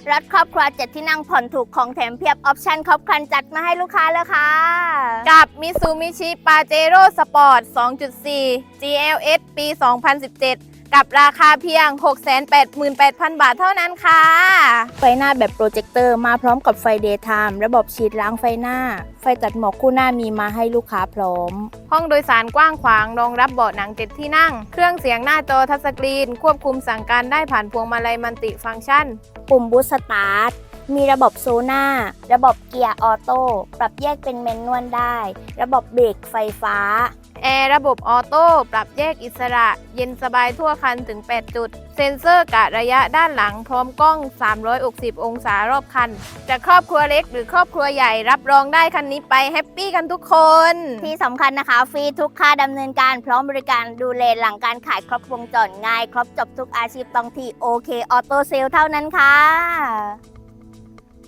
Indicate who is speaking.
Speaker 1: รถครอบครัว7ที่นั่งผ่อนถูกของแถมเพียบออปชั่นครบครันจัดมาให้ลูกค้าแล้วค่ะ
Speaker 2: กับ Mitsubishi Pajero Sport 2.4 GLS ปี 2017 กับราคาเพียง 688,000 บาทเท่านั้นค่ะ
Speaker 1: ไฟหน้าแบบโปรเจคเตอร์มาพร้อมกับไฟเดย์ไทม์ระบบฉีดล้างไฟหน้า ไฟตัดหมอกคู่หน้ามีมาให้ลูกค้าพร้อม
Speaker 2: ห้องโดยสารกว้างขวางรองรับเบาะหนัง7ที่นั่ง เครื่องเสียงหน้าจอทัชสกรีน ควบคุมสั่งการได้ผ่านพวงมาลัยมัลติฟังก์ชัน
Speaker 1: ปุ่มบูสต์สตาร์ทมีระบบโซน่าระบบเกียร์ออโต้ปรับแยกเป็นแมนนวลได้ ระบบเบรกไฟฟ้า
Speaker 2: แอร์ระบบออโต้ปรับแยกอิสระ เย็นสบายทั่วคันถึง 8 จุด เซ็นเซอร์กะระยะด้านหลังพร้อมกล้อง 360 องศารอบคัน จะครอบครัวเล็กหรือครอบครัวใหญ่รับรองได้คันนี้ไปแฮปปี้กันทุกคน
Speaker 1: ที่สำคัญนะคะฟรีทุกค่าดำเนินการพร้อมบริการดูแลหลังการขายครบวงจรง่าย ครบจบทุกอาชีพต้องที่โอเคออโต้เซลเท่านั้นค่ะ